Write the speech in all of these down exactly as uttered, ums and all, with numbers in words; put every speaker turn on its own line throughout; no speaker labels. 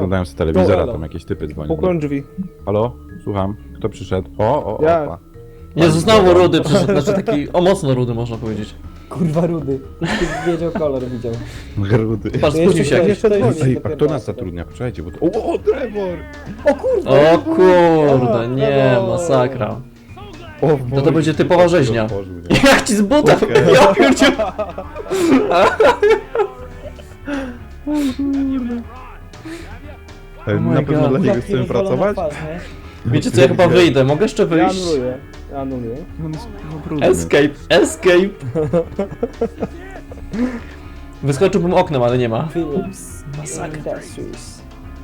oglądałem z telewizora,
No,
tam jakieś typy dzwonią.
Pukłem drzwi.
Halo? Słucham. Kto przyszedł? O, o,
Ja.
opa.
Jezu, znowu rudy przyszedł, znaczy taki, o mocno rudy można powiedzieć.
Kurwa rudy. Już ty wiedział kolor, widział.
Grudy.
Patrz,
To
spóźnił
jeszcze-
się
to
jakiś.
jeszcze dzwoni.
Ej, a
dopiero
kto nas
raz.
zatrudnia? Przejdźcie, bo to... O, o, Trevor!
O kurwa!
O kurde, nie, masakra.
O,
To to będzie typowa rzeźnia.
Otworzył, nie?
Jak ci z buta,
Okej.
ja pierdziu.
Ej,
Oh my
na pewno
God.
dla niego
Taki
chcemy
rozwalony
pracować?
Twarz, nie?
Wiecie co, ja chyba wyjdę, mogę jeszcze
Ja
wyjść?
anuluję. Ja anuluję.
No, no, no, brudny.
Escape, escape. Wyskoczyłbym oknem, ale nie ma.
Philips.
Masakra.
Industries.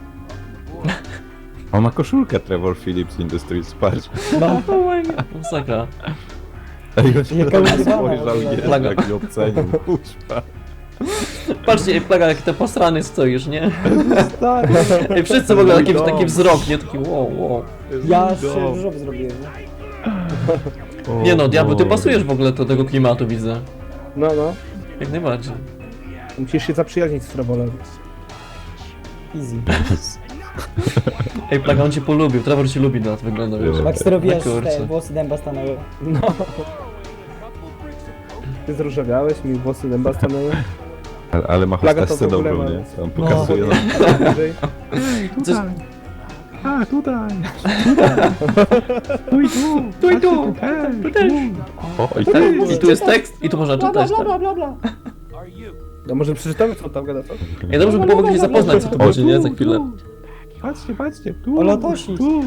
On ma koszulkę Trevor Phillips Industries, patrz.
No,
Oh my god, masakra.
Ej, on się
Jaka
na nas
używana w
spojrzał
ogóle.
i
Plaga.
jest taki ocenił. Puszpa.
Patrzcie, ej, plaga, jak te posrany stoisz, nie?
Stary.
Ej, wszyscy w ogóle taki,
Mój
taki
dom.
wzrok, nie? Taki wow, wow.
ja
Mój
się
dom.
różowy zrobiłem, nie?
O
Nie no, diabeł, ty
Boże.
pasujesz w ogóle do tego klimatu, widzę.
No, no.
Jak najbardziej.
Musisz się zaprzyjaźnić z Trevorem.
Easy.
Ej, plaga, on cię polubił, Trevor cię lubi, na to wygląda, wiesz.
Baxter, wiesz,
kurczę.
te włosy dęba stanęły.
No. Ty zróżawiałeś, mi włosy dęba stanęły.
Ale, ale ma
Plaga to
hostessę
w ogóle
dobrą,
ma-
nie? On
No.
pokazuje nam.
Wyżej.
Coś...
A, tutaj.
Tu i tu, tu i tu, tu też.
O, i
Tak,
tak.
i tu jest tekst, i tu można
Bla bla
czytać.
bla
tak.
bla bla bla.
No może przeczytamy, co on tam gada, co?
Ej, dobrze by było w ogóle się zapoznać, co to będzie, nie? Za chwilę.
Patrzcie, patrzcie, tu.
O Lotosi.
Tu.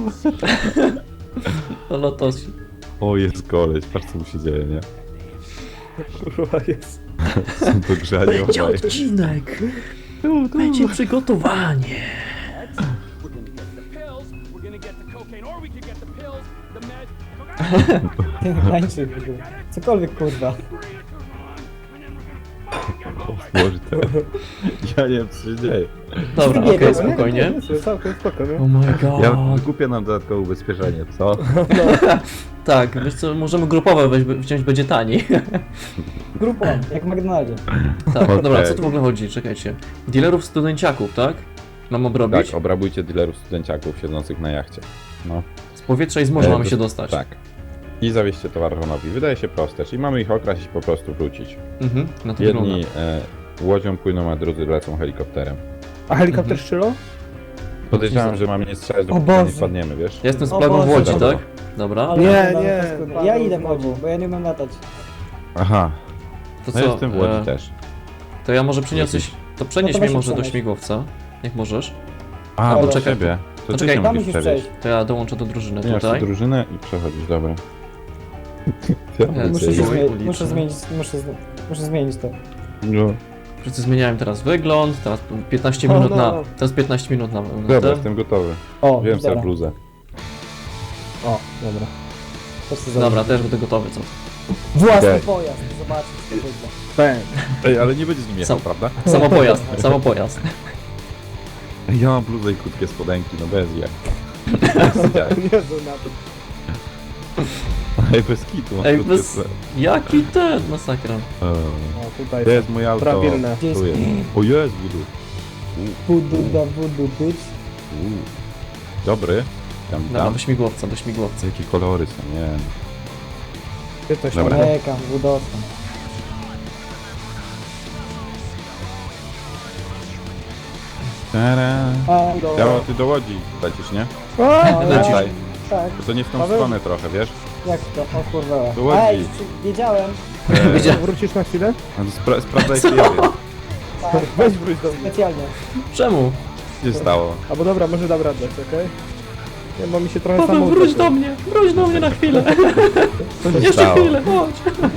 O lotosi.
O, jest koleś, patrz co mu się dzieje, nie?
Kurwa jest.
Są to grzanie obaj.
odcinek. Będzie przygotowanie.
We're gonna get the cocaine, or we could get the pills, the med.
Ty tańczy w ogóle. Cokolwiek kurwa.
O Boże, to... Ja nie wiem co się dzieje.
Dobra,
Nie
okej,
wiem,
spokojnie.
Całkiem spoko, nie?
Oh my
Ja
god.
kupię nam dodatkowe ubezpieczenie, co?
Tak, wiesz co, możemy grupowe weź, wziąć, będzie taniej.
Grupą, jak w McDonaldzie.
Tak,
Okej.
dobra, co tu w ogóle chodzi? Czekajcie. Dealerów studenciaków, tak? Mam obrobić?
Tak, obrabujcie dealerów studenciaków siedzących na jachcie. No.
Z powietrza i z morza
E,
mamy
to-
się dostać.
Tak. I zawieźcie towar Ronowi. Wydaje się proste, czyli mamy ich okraść i po prostu wrócić.
Mhm, na to
Jedni
wygląda.
e, łodzią płyną, a drudzy lecą helikopterem.
A helikopter strzelał?
Podejrzewam, że mamy nie strzelać,
O
dopóki nie
Boże.
spadniemy, wiesz?
Ja jestem z
O
plagą w
Boże,
Łodzi,
dobra.
tak? Dobra.
Ale
Nie,
kurwa,
nie.
paskudne. Ja idę w Łodzi, bo ja nie umiem latać.
Aha,
To
no
co?
jestem w Łodzi
e,
też.
To ja może przyniosłeś... To przenieś
No to
mnie
weź
może do
przenieś.
śmigłowca. Jak możesz?
A,
Albo
do
czekaj,
ciebie. To
to
ty
czekaj,
się
Tam
musisz
musisz
przewieźć.
przejść.
To ja dołączę do drużyny
Zmieniasz
tutaj.
drużynę i przechodzisz, dobra.
Ja
Muszę,
Ej,
się
oj,
zmie-
uliczny.
muszę zmienić, muszę, z- muszę zmienić to.
No.
Wszyscy zmieniałem teraz wygląd, teraz piętnaście
O,
minut
no,
na...
no.
Teraz piętnaście minut na... na
Dobra,
ten.
jestem gotowy.
O,
Wiem sobie
dobra.
bluzę.
O, dobra.
To chcę
Dobra, też będę gotowy, co?
Własny
Okej.
pojazd, zobaczcie co to wygląda.
Bang.
Ej, ale nie będzie z nim jechał,
Sam-
prawda?
Samo pojazd, samo pojazd.
Ej, ja mam bluzę i krótkie spodenki, no bez jak.
Nie to na to.
Ej, bez kitu, mam
Ej,
krótkie
bez...
spodenki.
Jaki ten, masakra.
Eee,
O, tutaj
To jest moje auto.
prawilne.
Gdzie jest
Tu jest. O, jest budu.
Voodoo da voodoo bitch.
Uuu. Dobry. Tam,
Dobra,
tam.
do śmigłowca, do śmigłowca.
Jakie kolory są, nie wiem.
Ty coś
Dobra.
tam.
Czeka, wódowca.
Tara.
A, dobra.
Ja, ty do Łodzi lecisz, nie?
A,
No,
Lecisz.
Tutaj.
tak,
To nie w tą
Paweł?
stronę trochę, wiesz?
jak to? O kurwa.
Do Łodzi.
Ej, czy- wiedziałem.
Eee,
Widzia-
Wrócisz na chwilę?
no to spra sprawdzaj sobie,
Tak,
Weź wróć do mnie.
specjalnie.
Czemu?
co się stało.
Albo dobra, może dam radę, okej? Nie, bo mi się trochę
Paweł,
samo
wróć
utopiło.
do mnie, wróć do mnie na chwilę.
Co się
Jeszcze
stało?
chwilę, chodź.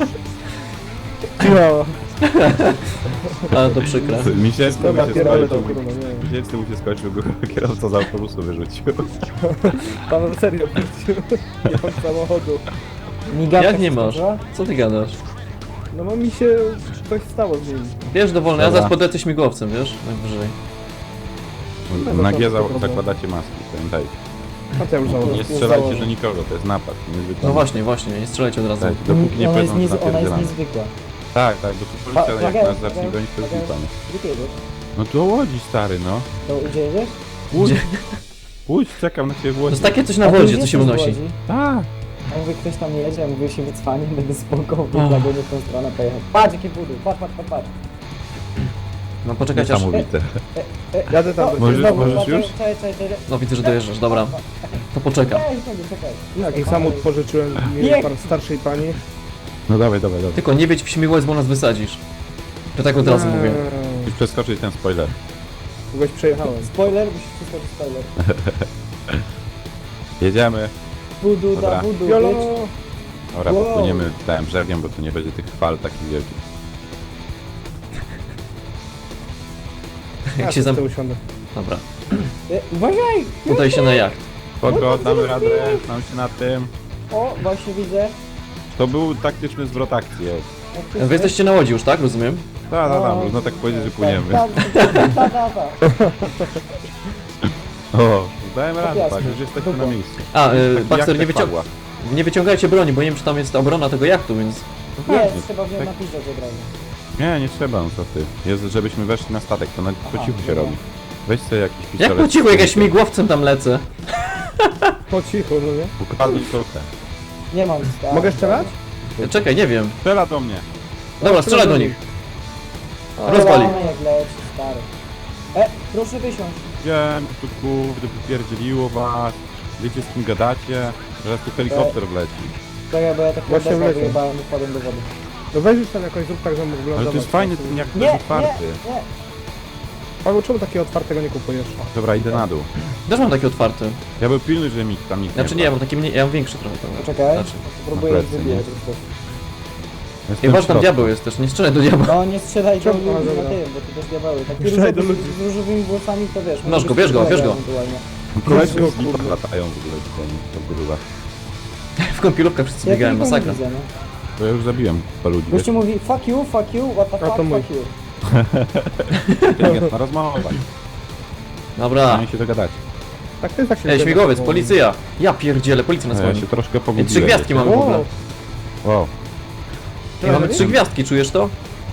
No,
Ale to przykre.
Miesięczny
dobra,
mu się
pierdolę to
skończył.
kurwa, nie wiem.
Miesięczny mu się skończył, go kierowca z autobusu wyrzucił.
Pan serio wrócił. Nie mam samochodu.
Migawka
Jak nie
się
masz?
skończyła?
Co ty gadasz?
No bo mi się coś stało z nim.
Bierz dowolne, ja
Dobra.
zaraz podlecę śmigłowcem, wiesz? Najwyżej.
Na G za- zakładacie maski, pamiętajcie.
A to ja już założę.
Nie strzelajcie do nikogo, to jest napad. Niezwykły.
No właśnie, właśnie, nie strzelajcie od razu.
Tak, dopóki nie
Ona jest,
powiedzą, że
niez... ona jest
napierdzielamy.
niezwykła.
Tak, tak, dopóki
Pa-
policja jak
plagę-
nas zacznie
plagę-
gonić, to jest
plagę-
lipa, nie?
Gdzie ty jedziesz?
No to Łodzi, stary, no.
To gdzie jedziesz?
Pójdź, pójdź, czekam na ciebie w
To
Łodzi.
jest takie coś na
A ty
wodzie,
już
co się
jesteś w
unosi.
Łodzi?
Tak.
A mówię, ktoś tam jedzie, ja mówię, się wycwanie, będę spoko,
O.
dla go nie w tą stronę pojechał. Patrz jakie budy, patrz, patrz, patrz, patrz.
No poczekajcie aż...
Niesamowite.
E,
Jadę tam.
o,
do
Możesz-
ciebie.
znowu,
możesz
czekaj,
już?
Czekaj, czekaj, czekaj.
No widzę, że dojeżdżasz, dobra. To poczekam.
Czekaj, czekaj, czekaj.
Jaki samochód pożyczyłem mi
Nie.
par starszej pani.
No dawaj, dawaj, dawaj.
Tylko nie wiedź w Śmigłowiec, bo nas wysadzisz. To tak od razu mówię.
Musisz przeskoczyć ten spoiler.
Kogoś przejechałem.
Spoiler, musisz przyskoczyć spoiler.
Jedziemy.
Budu
Dobra.
da budu,
Jolo!
bitch.
Dobra,
Wow.
popłyniemy tym brzegiem, bo tu nie będzie tych fal takich wielkich.
Jak się zam...
zam... usiądę.
Dobra.
E, Uważaj!
Udaj się na jacht.
Spoko, damy radę, znam się na tym.
O, właśnie widzę.
To był taktyczny zwrot akcji. ej.
Jak ty
Wy jesteście na łodzi już, tak? Rozumiem?
Da, da, da,
No,
można tak powiedzieć, że płyniemy.
Tak, tak, tak, tak, tak.
O, dałem radę,
jasne.
tak, już jesteśmy na miejscu.
A, y,
Tak,
Baxter,
jak
nie,
tak
wycią...
padła.
nie wyciągajcie broni, bo nie wiem, czy tam jest obrona tego jachtu, więc...
No
Nie,
pewnie,
trzeba wziąć
tak.
na piździe od razu.
Nie, nie trzeba, no co ty. Jest, żebyśmy weszli na statek, to na po
Aha,
cichu się
dobra.
robi. Weź sobie jakiś pistolet.
Jak po cichu, jak ja śmigłowcem tam lecę?
Po cichu, no nie?
Ukradnij trochę.
Nie mam stary.
Mogę strzelać?
Czekaj, nie wiem.
Strzela do mnie.
Dobra, strzelaj do nich.
Rozwali.
Rozwali.
Jak leci, stary. E, proszę wysiąść.
Wiem, tu kurde, wypierdzieliło was. Wiecie z kim gadacie? Zaraz tu helikopter wleci.
Czekaj, bo ja tak
Właśnie
podeszłem,
wlecę.
wyjebałem i wpadłem do wody.
No weź już tam jakoś zrób tak, że mógł
Ale
wylądować.
to jest fajny ten jak
Nie,
jest otwarty.
nie, nie.
Paweł, czemu takiego otwartego nie kupujesz?
Dobra, idę na dół.
Też mam taki otwarty.
Ja był pilny, że mi tam nikt
Znaczy nie, ja mam taki mniej, ja mam większy trochę. To...
Poczekaj,
Znaczy.
próbuję
na
ich
plecy,
wybijać.
Jestem
Chyba, że
w
tam
środku.
diabeł jest też, nie strzelaj do diabła.
No nie strzelaj do
Czemu?
ludzi
A,
na
dobra.
tym, bo to też diabeły. Taki
Strzelaj
różowy,
do ludzi.
z różowymi włosami to wiesz.
Masz
może
go,
być
bierz go,
kolega
bierz go.
ewentualnie.
Koledzy
Jezu,
z lipa
kurde.
latają w ogóle w tym grubach.
W kąpielówkach wszyscy
Ja
biegają,
tylko nie
masakra.
widzę, no.
To ja już zabiłem chyba ludzi. wiesz?
Gościu mówi fuck you, fuck you, what the
A,
fuck,
to mój.
fuck you.
Inteligentna rozmowa.
Dobra.
Mają się dogadać.
Tak, to jest tak się
Ej,
zgadza,
śmigłowiec,
bo-
policja! Ja pierdzielę, policja nas
No, ja
goni.
się troszkę
Ej,
pogubiłem.
trzy gwiazdki
wiecie?
mamy w ogóle.
Wow.
Wow.
Ej, mamy trzy gwiazdki, czujesz to?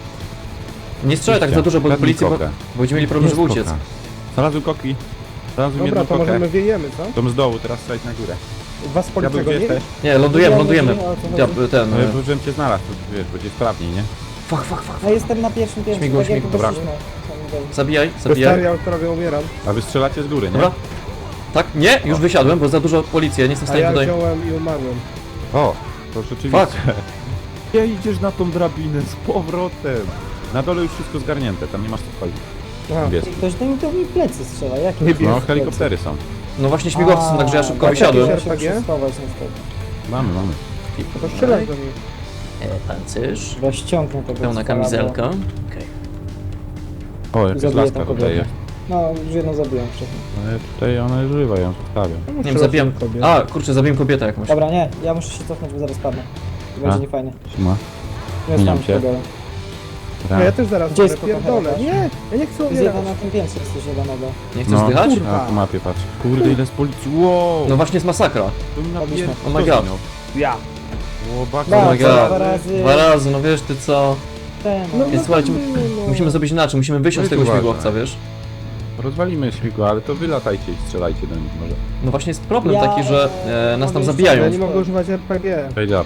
Nie strzelaj tak za dużo, bo
Kradnij
policji, bo,
kokę.
bo będziemy mieli problem, żeby uciec.
Znalazłem koki. Znalazłem
Dobra,
jedną
to
kokę.
możemy wiejemy, co?
Tą z dołu, teraz strzelać na górę.
Was z
Diabeł,
policji
gdzie
go nie?
jesteś?
Nie, lądujemy, lądujemy.
Nie, o co chodzi?
Diab, ten...
No,
e,
ja żebym cię znalazł, to wiesz, będzie sprawniej, nie?
Fuck, fuck, fuck.
No jestem na pierwszym piętrze,
Śmigło,
tak jak
śmigło,
dobra.
wyszliśmy.
Zabijaj,
To stary,
zabijaj.
ja prawie umieram.
A wy strzelacie z góry, nie?
Dobra. Tak? Nie, już wysiadłem, bo za dużo policji, ja nie jestem w
A
stanie
ja
tutaj...
wziąłem i umarłem.
O, to rzeczywiście.
Fuck.
Nie idziesz na tą drabinę z powrotem. Na dole już wszystko zgarnięte, tam nie masz co wchodzić.
Aha.
Wiesz.
Ktoś do mi to mi plecy strzela, jak
Nie
No,
bierz
helikoptery są.
No właśnie śmigłowcy są, także ja szybko
A,
wysiadłem.
takie
Ja się
R P G?
muszę schować niestety.
Mamy, mamy.
No to strzelaj do nich.
E, pancerz.
Chyba ściągnę tego
Pełna
cwala,
kamizelka.
bo-
Okej.
O, jakaś
Zabiję
laska
tą
tutaj
kobietę.
jest.
No, już jedną zabiłem wcześniej.
Ale tutaj ona jest żywa, ja ją zostawiam.
Nie wiem, zabijam... A, kurczę, zabiłem kobietę jakąś.
Dobra, nie, ja muszę się cofnąć, bo zaraz padnę. To będzie
A?
niefajnie.
Siema.
Nie
Zmieniam
znam
się.
tego.
No ja też zaraz
Gdzie jest
będę pierdolę.
kochana?
Nie, ja nie chcę
Jest
umierać.
jeden na tym piętrze, jest coś jebanego.
Nie chcesz
No,
zdychać?
kurwa.
A, po mapie patrz. Kurde, ile z policji. Wow!
No właśnie jest masakra.
to mi
Robiliśmy.
napier...
Oh my god.
Ja.
O, baka.
Da,
Oh my
co,
god.
dwa razy.
Dwa razy, no wiesz ty co?
Ten,
No,
Więc słuchajcie,
no.
musimy zrobić inaczej, musimy wysiąść z
No i
tego
uważaj.
śmigłowca, wiesz?
Rozwalimy śmigło, ale to wy latajcie i strzelajcie do nich może.
No właśnie jest problem
Ja,
taki, że
e,
e, nas tam
mogę
zabijają.
Ja nie mogę używać R P G.
Fade up.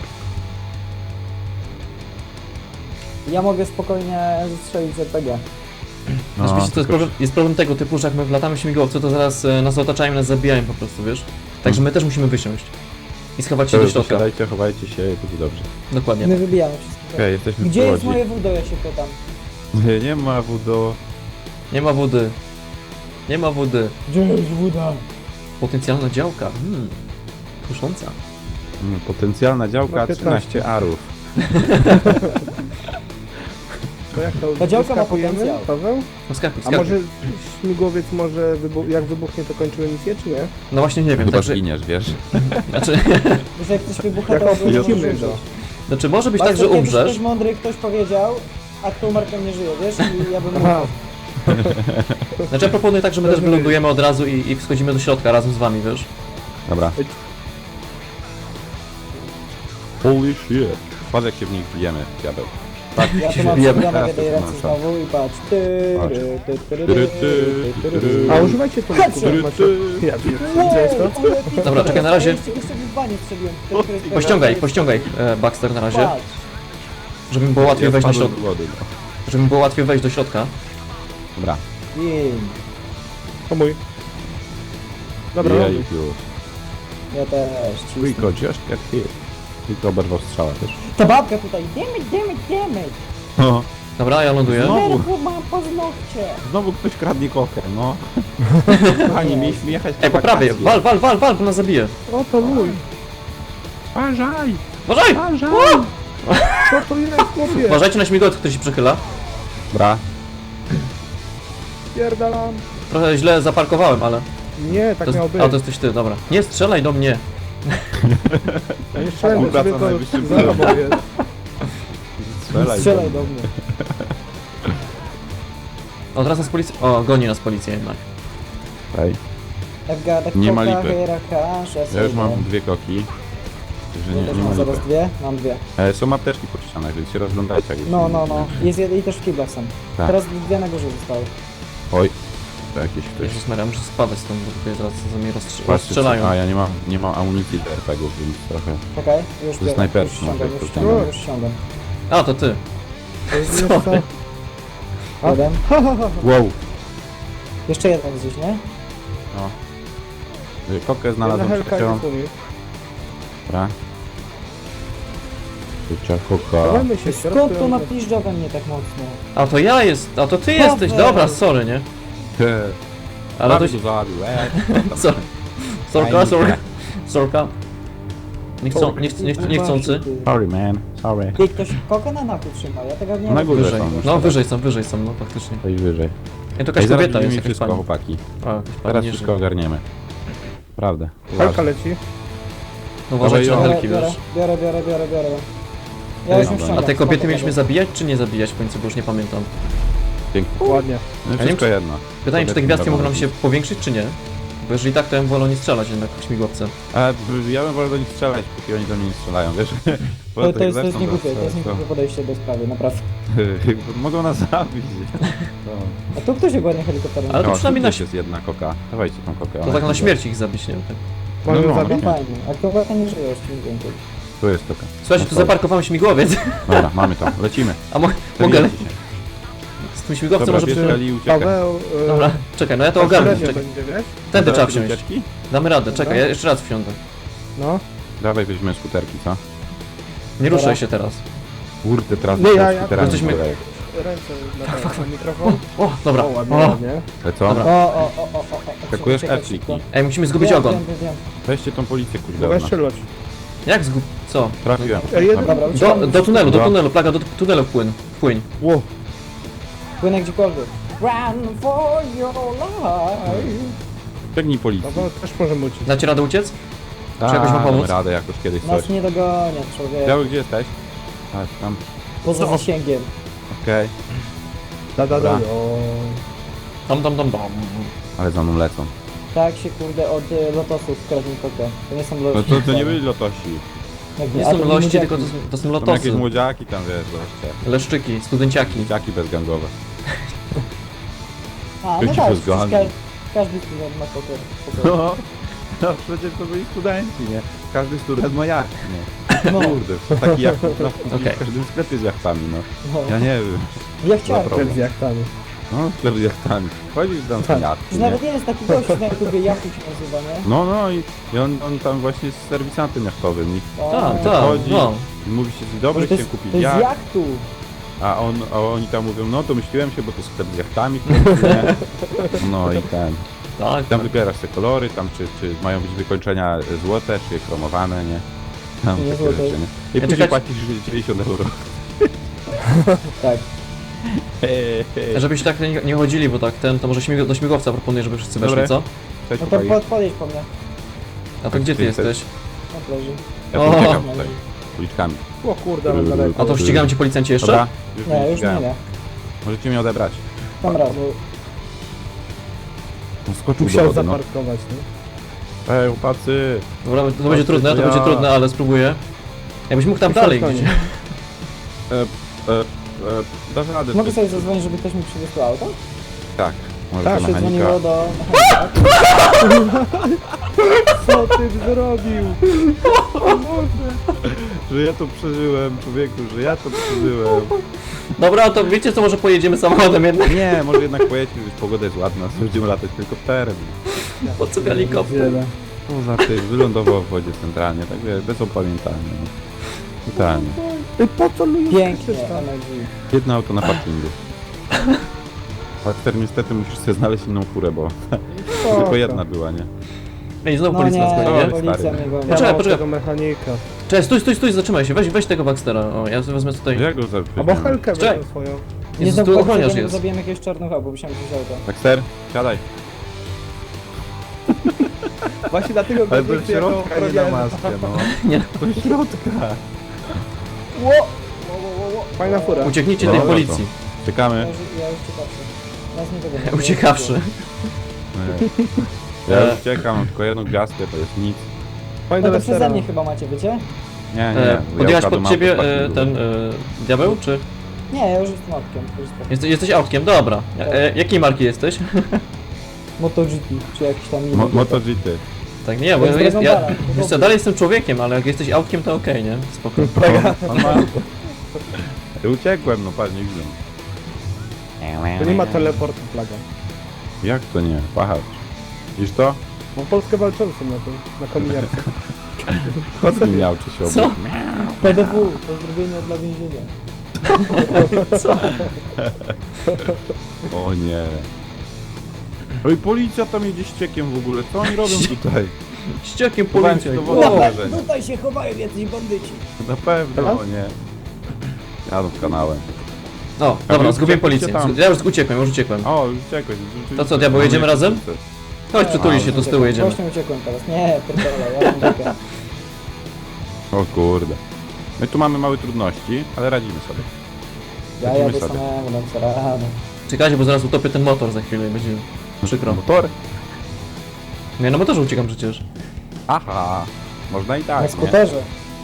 Ja mogę spokojnie zestrzelić z R P G.
No,
Znaczy, wiecie, to jest
tylko-
problem, jest problem tego typu, że jak my wlatamy w śmigłowcu, to zaraz e, nas otaczają i nas zabijają po prostu, wiesz? Także my też musimy wysiąść. I schować się do
Dobra,
środka.
Siadajcie, chowajcie się, będzie dobrze.
Dokładnie.
My wybijamy wszystko.
Okej, jesteśmy
Gdzie
w
jest
Łodzi.
moje wudo, ja się pytam.
Nie, nie ma wudo.
Nie ma wody. Nie ma wody.
Gdzie jest wuda?
Potencjalna działka. Hmm. Kusząca.
Mm, Potencjalna działka
Ma piętnaście.
trzynaście arów.
To jak to
Ta działka ma
wyskakujemy,
potencjał.
Paweł?
No skakuj,
A
skakuj.
może śmigłowiec może wybu- jak wybuchnie to kończymy misję, czy nie?
No właśnie nie wiem,
Chyba
także...
zginiesz, wiesz?
Znaczy,
Że jak ktoś wybucha,
Jak
to go nie
lecimy,
możesz
no.
użyć.
znaczy może być tak,
Bardzo
że
kiedyś
umrzesz.
Ktoś mądry ktoś powiedział, a kto umarł, ten nie żyje, wiesz? I ja bym
Aha.
mógł.
Znaczy ja proponuję tak, że my też wylądujemy od razu i, i wschodzimy do środka razem z wami, wiesz?
Dobra. Holy shit. Patrz jak się w nich bijemy, diabeł. Tak,
Ja tu
się
mam
bijemy.
przegrane w jednej
Teraz
ręce
to mam
znowu i patrz. Ty,
Patrz.
ry, ty, ty, ry,
Tyry,
ty, ty, ty, ry.
A używajcie to.
Headshot.
Ja wiem,
Wow,
widziałeś to?
ale pięknie.
Dobra, czekaj, na razie.
Jeszcze, jeszcze w banie strzeliłem. Ty, ty, ty, ty,
Pościągaj,
ty,
pościągaj e, Baxter na razie,
Patrz.
żeby mi było łatwiej
Ja
wejść do
wpadłem
środka.
do wody, no.
Żeby mi było łatwiej wejść do środka.
Dobra.
Gin.
To mój. Dobra,
Jej,
robię.
już.
Ja też. cisnę.
Tylko just get hit. Tylko oberwał strzała też.
Ta babka tutaj. Damage, damage, damage.
No.
Dobra, ja ląduję.
Znowu.
Nerwo ma paznokcie.
Znowu ktoś kradnie kokę, no. Kochani, mieliśmy jechać na
Ej, po prawej,
wakacje.
wal, wal, wal, wal, bo nas zabije.
O, to mój.
Uważaj!
Uważaj!
Uważaj!
Co to jest, chłopie?
Uważajcie na śmigłowiec, który się przychyla.
Dobra.
Pierdalam.
Trochę źle zaparkowałem, ale...
Nie,
To
tak
jest,
miało być.
a, to jesteś ty, dobra. Nie strzelaj do mnie.
Ja nie strzelam do
Współpraca
ciebie,
na najwyższym
to za tobą
poziomie.
jest.
Strzelaj.
Strzelaj do mnie.
O, teraz nas policja... O, goni nas policja jednak.
Ej,
I've got a
Nie ma
coca,
lipy.
here a cash,
ja już mam dwie koki. Także
Ja
nie,
też
nie ma
mam zaraz
lipy.
dwie? Mam dwie.
E, są apteczki po ścianach, więc się rozglądajcie jak
No,
się-
no, no. Jest jed- i też w kiblach są.
Tak.
Teraz dwie na górze zostały.
Oj. To jakieś ktoś.
Jezus Maria, muszę spadać stąd, bo tutaj zaraz za mnie rozstrz-
Patrzcie,
rozstrzelają.
a ja nie mam, nie mam amunicji do er pe gie ów, więc trochę...
Czekaj, już biorę,
snajperki
już ściągam,
może
już
to
ściągam,
nie.
już ściągam.
A, to ty.
To jest
Co?
co? A?
Jeden.
Wow!
Jeszcze jeden gdzieś, nie?
No. Y, Kokę
Jedna
znalazłem
helka
trzecią.
jest u mnie.
Dobra. Trzecia koka.
Dawajmy się,
Skąd
środku,
to
ja-
napiszcza we mnie tak mocno?
A to ja jest, a to ty jesteś,
Paweł.
dobra, sorry, nie? Ale to się...
go zabił, e,
Co? Sorka,
Fajnie.
sorka. Sorka. Nie chcą, nie, chcą, nie, chcą, nie chcący.
Sorry man, sorry.
Ty, ktoś kokę na naku trzyma, ja tego nie
Na
wiem.
górze
Wyżej.
są już
No
teraz.
wyżej są, wyżej są, no faktycznie.
To i wyżej.
Ej, to jakaś
Ej, zaraz
kobieta jest,
będziemy
jakaś
wszystko,
pani.
chłopaki.
A, jakaś pani
Teraz
nie
wszystko
żyje.
ogarniemy. Prawdę.
Helka
Uważaj.
leci.
No uważajcie na
Dawaj,
helki,
biorę,
wiesz.
biorę, biorę, biorę, biorę. Ja już ją
Dobra.
ściągam.
A te kobiety
spoko,
mieliśmy
dobra.
zabijać, czy nie zabijać w końcu, bo już nie pamiętam.
Pięknie.
Ładnie.
No i
nie
wszystko
wiem,
jedno.
Pytanie, czy te
Kobiety
gwiazdki
mogą
mogą nam się
robić.
powiększyć, czy nie? Bo jeżeli tak, to ja bym wolał nie strzelać jednak w śmigłowce.
A b- ja bym wolał do nich strzelać, póki oni do mnie nie strzelają, wiesz? Bo
To,
jak
to jest, to jest
zaczną
niegłupie, to jest
to-
niegłupie podejście do sprawy, naprawdę.
to- Mogą nas zabić. No.
A tu ktoś ładnie helikopterem.
Ale to
No,
przynajmniej
tu
na
też jest jedna koka. Dawajcie tą kokę.
To
ona
tak na
jest-
śmierć ich zabić, nie wiem. Tak.
Mamy
No,
ją
no,
zabić?
no.
Fajnie, a kobieta nie żyje już czym więcej.
Tu jest koka.
Słuchajcie, tu
No to-
zaparkowałem śmigłowiec.
Dobra, mamy to. Lecimy.
A mo mogę...
Zabijajcie się.
Z tym śmigłowcem
Dobra,
może...
bierz
Przy...
Eli i uciekaj.
Paweł... e,
Dobra, czekaj, no ja to
tak
ogarnę.
średnio
Czekaj.
będzie, wiesz?
Tędy trzeba
Dobra,
wsiąść.
ucieczki?
Damy radę,
Dobra.
czekaj, ja jeszcze raz wsiądę.
No.
Dawaj weźmiemy skuterki, co?
Nie
Dobra.
ruszaj się teraz.
Kurde, teraz
Nie, ja- ja-
skuterami
Jesteśmy-
kolej.
Ręce na, na mikrofon.
O, dobra.
O, ładnie,
O.
ładnie.
Ale co?
Dobra.
O, o, o, o, o, o.
Skakujesz
Czekaj,
F
szybko.
kliki.
Ej, musimy zgubić
Wiem,
ogon.
wiem, wiem, wiem.
Weźcie tą policję, kurde.
Mogę
od nas.
strzelać.
Jak zgub... co?
Trafiłem.
Ej, jeden-
Dobra.
Dobra,
Do,
uciekamy.
do tunelu, do
Dobra.
tunelu, plaga, do tunelu wpłyń. Wpłyń.
Ło.
Płynę gdziekolwiek. Run for your life.
Biegnij policji.
Paweł, też możemy uciec.
Dacie radę uciec?
A,
Czy jakoś ma pomóc?
damy radę jakoś kiedyś coś.
Nas nie dogania, człowiek.
Biały, gdzie jesteś? Tak, tam.
Poza
No.
zasięgiem.
Okej.
Da, da, da.
Dobra.
O.
Dom, dom, dom, dom.
Ale za mną lecą.
Tak się kurde od y, lotosów kradnie kokę. To nie są
No
lotosi.
to, to nie byli lotosi.
Jak
Nie
a
są
to
lości,
młodziaki.
tylko to, są- to są
Tam
lotosy.
jakieś młodziaki tam, wiesz, goście.
Leszczyki, studenciaki.
Dzieciaki bezgangowe.
A, no
Dzieci
tak,
bez
przecież
gangu.
każdy, każdy student ma kokę.
No, no przecież to byli studenci, nie? Każdy student ma jacht, nie?
No,
Kurde, taki jak no,
Okej.
w każdym sklepie z jachtami, no.
no.
Ja nie wiem.
Ja chciałem.
Dobra.
Sklep z jachtami.
No, sklep z jachtami. Chodzisz tam z
Tak.
jachty,
Już
nie?
nawet jest taki gość na YouTubie, Jachu się nazywa, nie?
No, no i, i on, on tam właśnie jest serwisantem jachtowym i
O,
Tak, tak,
chodzi.
no.
i mówi się, dzień dobry,
to
chciałem
jest,
kupić
to jest
jacht,
jachtu.
a, on, a oni tam mówią, no to myśliłem się, bo to sklep z jachtami, kurde, nie? No i ten.
Tak,
Tam wybierasz te kolory, tam czy, czy mają być wykończenia złote, czy chromowane, nie? Tam
Nie
takie
złote.
rzeczy, nie? I
Ja
później
czekać-
płacisz dziewięćdziesiąt euro.
Tak.
Żebyście tak nie, nie chodzili, bo tak ten, to może śmig do śmigłowca proponuję, żeby wszyscy weszli,
Dobre.
co?
Cześć,
No to
chłopaki.
pod, podjedź po mnie.
A to gdzie ty
Ty jesteś?
jesteś?
Na plaży.
Ja
O!
tu uciekam tutaj, uliczkami.
O kurde, ale daleko.
A to ścigają cię policjanci jeszcze?
Dobra, już
Nie,
mnie
już
ścigają.
nie, nie.
Możecie mnie odebrać.
Tam raz.
No, skoczył do
Musiał
wody, no.
zaparkować, nie?
Ej, chłopacy.
Dobra, to będzie trudne, to
ja-
będzie trudne, ale spróbuję. Jakbyś mógł tam
I
dalej
szarpanie.
gdzieś.
E, e, e, dasz radę.
Mogę
ty-
sobie zadzwonić, żeby ktoś mi przywiózł to auto?
Tak, może
Tak,
do
Się
mechanika.
dzwoniło do mechanika.
Co ty zrobił?
Że ja to przeżyłem, człowieku, że ja to przeżyłem.
Dobra, to wiecie co, może pojedziemy samochodem jednak?
Nie, może jednak pojedźmy, już pogoda jest ładna, będziemy latać helikopterem.
Po co helikopter?
Poza tym, wylądował w wodzie centralnie, tak wiesz, bez opamiętania. No. Totalnie.
Ty po co lubisz?
Pięknie, M L G.
Jedno auto na parkingu. Bakter, niestety musisz sobie znaleźć inną furę, bo tylko jedna była, nie?
Ej, znowu
No
policja nas
nie,
goni, nie?
policja
Stary.
mnie goni.
Poczekaj,
Poczekaj,
poczekaj.
tego mechanika.
Cześć, stój, stój, stój, zatrzymaj się, weź, weź tego Baxtera, o, ja wezmę tutaj.
Jak go zabić?
Albo Helkę
Czekaj.
wezmę swoją.
Nie
Jezus, tu
znowu
ochroniarz
nie
jest.
zabiłem jakiegoś czarnucha, bo musiałem wziąć auto.
Bakter, siadaj.
Właśnie dlatego
Ale
go
do środka nie na maskę, no.
Nie.
Do środka.
Ło! Ło, ło, ło, ło.
Fajna fura.
Ucieknijcie
Dobra,
tej
to.
policji.
Ja
Czekamy.
już, ja już ciekawszy. Nas nie dogonią.
Uciekawszy.
Ja
E.
już uciekam, mam tylko jedną gwiazdkę, to jest nic.
Fajna
No to przeze
wesela.
mnie chyba macie, wiecie?
Nie, nie,
E,
ja
podjechać
ukradłem
pod ciebie
auto z
e,
parkingu.
ten e, diabeł, czy?
Nie, ja już jestem autkiem. już jestem.
Jeste, jesteś autkiem, dobra. E, jakiej marki jesteś?
MotoGP, czy jakiś tam inny.
Mo MotoGP.
Tak, nie, bo
To jest
jest, ja,
Dragon Ball, to
wiesz co,
dobrze.
dalej jestem człowiekiem, ale jak jesteś autkiem, to okej, nie? Spoko.
On ma... Ja uciekłem, no patrz, nie widzę.
To nie ma teleportu plaga.
Jak to nie? Patrz. Widzisz to?
Bo Polskę walczącą na tym, na kominiarce.
Chodź mi miał, czy się
Co?
obok.
P D W, pozdrowienia dla więzienia.
O nie. Oj, policja tam jedzie ściekiem w ogóle, co oni robią tutaj?
Ściekiem
Chowałem
policja.
się do
O,
wody.
Tutaj,
wrażenie.
tutaj się chowają jacyś bandyci.
Na pewno, o nie. Jadą kanałem.
O, dobra,
wy
zgubiłem
uciekliście
policję.
tam.
Ja już uciekłem, już uciekłem.
O, już uciekłeś.
To co, diabeł, jedziemy razem? Chodź, przytuli się, tu z tyłu jedziemy.
Właśnie uciekłem teraz. Nie, pierdolę, ja mam uciekam.
O kurde. My tu mamy małe trudności, ale radzimy sobie.
Ja
Lecimy
jadę
sobie.
samemu, dam sobie radę.
Czekajcie, bo zaraz utopię ten motor za chwilę i będzie przykro.
Motor?
Nie, na motorze uciekam przecież.
Aha. Można i tak,
Na
nie?
skuterze.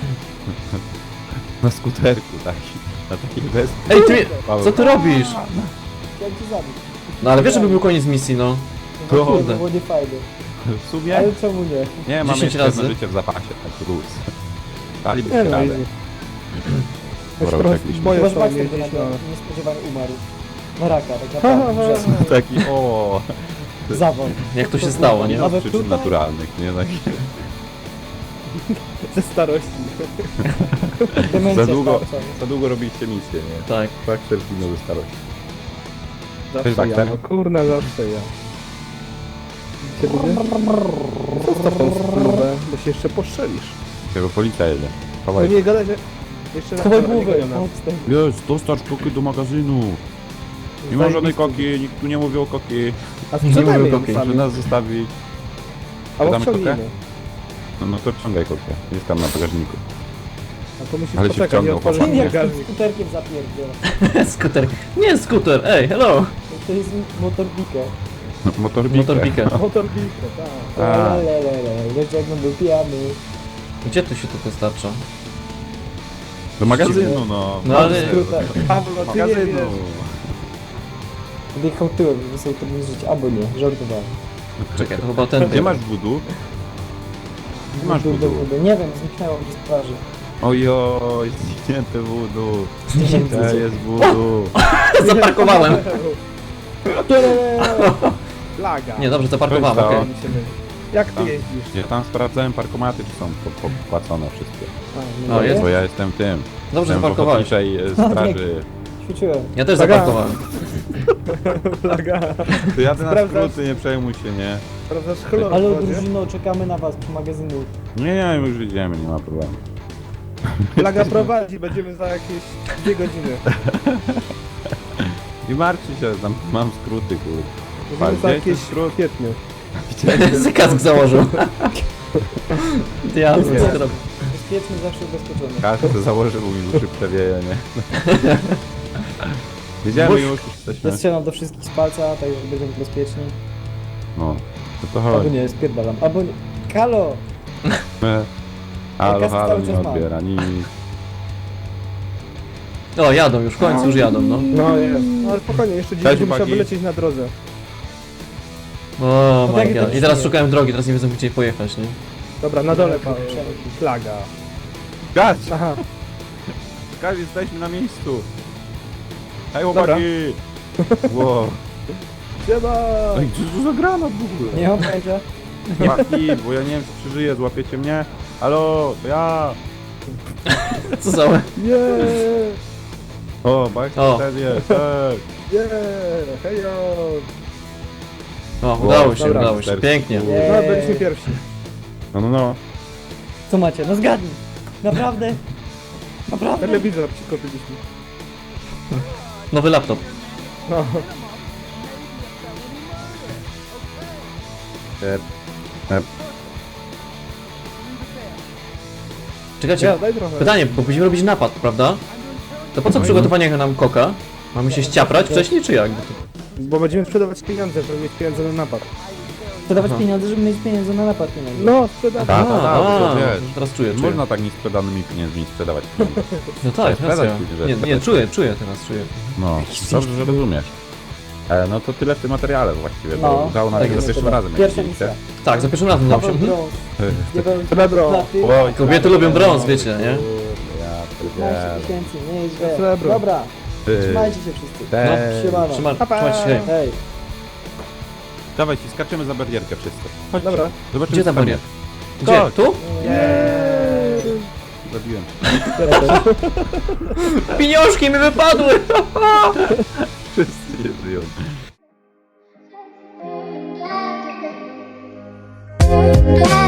Na skuterku taki. Na takiej bez...
Ej, ty, co ty robisz?
Chciałem cię zabić.
No ale wiesz, żeby był koniec misji, no.
To-
No
kurde.
to było nie fajne.
W sumie?
Ale czemu nie?
Nie, mamy
dziesięć
jeszcze jedno
razy.
życie w zapasie, taki luz. Daliby
Nie
się
no,
radę.
easy. Już
Dobra,
trochę
uciekliśmy.
boję
Chyba,
się
że Baxter
jeździć,
by
no.
nagle niespodziewanie umarł. Na raka, tak naprawdę. wrzasnął.
Taki, o.
Zawód.
Jak to się stało, nie?
Nie ma
Nawet
przyczyn
tutaj?
naturalnych, nie? Tak.
Ze starości.
Demencja
Za długo,
starcza.
za długo robiliście misję, nie?
Tak.
Faktor zginął ze starości.
Zawsze
tak,
ja,
tak?
no kurna, zawsze ja. Cię lubię? Zostaw tą spluwę, bo się jeszcze postrzelisz.
Tego policja jedzie.
No
Chowaj.
nie gadaj, że jeszcze raz
Chowaj
nie
głowę.
gonią nas.
Odstęp.
Jest, dostarcz koki do magazynu. Nie ma żadnej
Zajebisty.
koki, nikt tu nie mówi o koki.
A sprzedajmy
mówię
ją
koki.
Proszę
sami.
nas zostawić.
Albo
Damy kokę?
wciągnijmy.
No, no to wciągaj kokę. Jest tam na bagażniku.
A to musisz
Ale się
poczekać,
wciągnął,
nie otworzyć
chłopak.
Jak tym
bagażnik.
skuterkiem zapierdziel.
Skuter. Nie, skuter, ej, hello.
To jest motorbike.
Motorbikę.
Motorbikę.
Motor Biko, tak.
A.
Lelelele. Wiesz jak będę pijany.
Gdzie tu się to dostarcza?
Do magazynu, no.
No ale...
Skrótem.
Pawlo, ty nie
Magazynu.
wiesz.
Będę jechał tyłem, żeby sobie to żyć. Albo nie, żartowałem.
Czekaj, to chyba ten...
Gdzie masz budu? Gdzie masz
Budu,
budu?
budu. Nie wiem, zniknęło mi z twarzy.
Ojoj, zniknięte wudu.
Zniknięte.
To jest wudu.
Zaparkowałem.
Laga.
Nie, dobrze, zaparkowałem,
To jest
okej.
Mi się myli. Jak ty
Tam.
jeździsz?
Ja tam sprawdzałem parkomaty, czy są po- popłacone wszystkie.
A,
O, jest.
Bo ja jestem tym.
Dobrze
Jestem w
zaparkowałeś.
ochotniczej e, straży.
Ćwiczyłem.
Ja też
Uwaga.
zaparkowałem.
Laga.
To jadę na
Sprawdzasz?
skróty, nie przejmuj się, nie.
Sprawdzasz chlor
Ale
w wodzie?
drużyno, czekamy na was przy magazynu.
Nie, nie, my już idziemy, nie ma problemu.
Laga prowadzi, będziemy za jakieś dwie godziny.
Nie martwcie się, tam mam skróty, kurde.
Będziemy za
Gdzie
jakieś
jest skrót?
w kwietniu.
Z kask założył. Diablo, co ty robisz?
Bezpieczny, zawsze ubezpieczony.
Każdy to założy, bo mi uszy przewieje, nie? Wiedziałem już, już jesteśmy.
Zastrzelam do wszystkich z palca, tak że będziemy bezpieczni.
No, to to
Albo
chodzi.
nie, spierdalam. Albo nie. Kalo!
My- Halo,
kasy
halo,
cały
nie
czas mam.
odbiera nic.
O, jadą już, w końcu już jadą, no.
No jest. No ale spokojnie, jeszcze dziś
Cześć,
będzie musiał
chłopaki.
wylecieć na drodze.
O
No
my
tak,
god.
tak
I teraz
się-
szukają drogi, teraz nie wiedzą gdzie pojechać, nie?
Dobra, na dole
Dobra,
pa-
przejdź.
flaga.
Gać!
Aha,
Gać, jesteśmy na miejscu! Hej
Dobra.
chłopaki! Wow.
siema!
Ej, co to za granat w ogóle?
Nie mam pojęcia.
Chłopaki, bo ja nie wiem czy przeżyję, złapiecie mnie? Halo, to ja!
Co za...
Yeah!
O, bajka
O.
też jest, hej!
Yeah! Hejo!
O, udało się,
dobra,
udało się,
cztery.
pięknie.
Nie.
No, byliśmy pierwsi.
No, no, no.
Co macie? No zgadnij. Naprawdę? Naprawdę?
Telewizor przykopiliśmy.
Nowy laptop.
No.
E, e,
Czekajcie,
Ja, daj trochę.
pytanie, bo będziemy robić napad, prawda? To po co przygotowanie nam koka? Mamy się ściaprać wcześniej, czy jak? Bo to...
Bo będziemy sprzedawać pieniądze, żeby mieć pieniądze na napad.
Sprzedawać
Aha.
pieniądze, żeby mieć pieniądze na napad pieniędzy.
No, sprzedawać.
Tak,
A,
tak, tak,
a,
to wiesz.
teraz czuję,
Nie
czuję.
można tak niesprzedanymi pieniędzmi sprzedawać pieniądze.
No tak,
sprzedać
racja.
później, że
Nie, nie,
sprzedać.
czuję, czuję teraz, czuję.
No, dobrze, że rozumiesz. E, no to tyle w tym materiale właściwie, bo
No,
udało nam
tak
się za
jest.
pierwszym razem, jak
Pierwsza
widzieliście.
misja.
Tak, za pierwszym razem udało się.
Paweł
Mhm.
Brąz. Jego
Srebro.
platy.
Oj,
Kobiety lubią brąz, wiecie, nie?
Ja
piętnaście
pierdzielę.
tysięcy, nieźle.
Srebro.
Dobra,
Ty,
trzymajcie się wszyscy.
te-
Siemano.
Trzyma, trzymajcie się, hej.
Hej.
Dawajcie, skaczemy za barierkę wszyscy. Chodźcie.
Dobra.
Zobaczymy,
Gdzie ta
co tam
barierka?
jest.
Gdzie?
Chodź.
Tu?
Yeah!
Zabiłem.
Pieniążki mi wypadły!
Wszyscy nie żyją.
Yeah.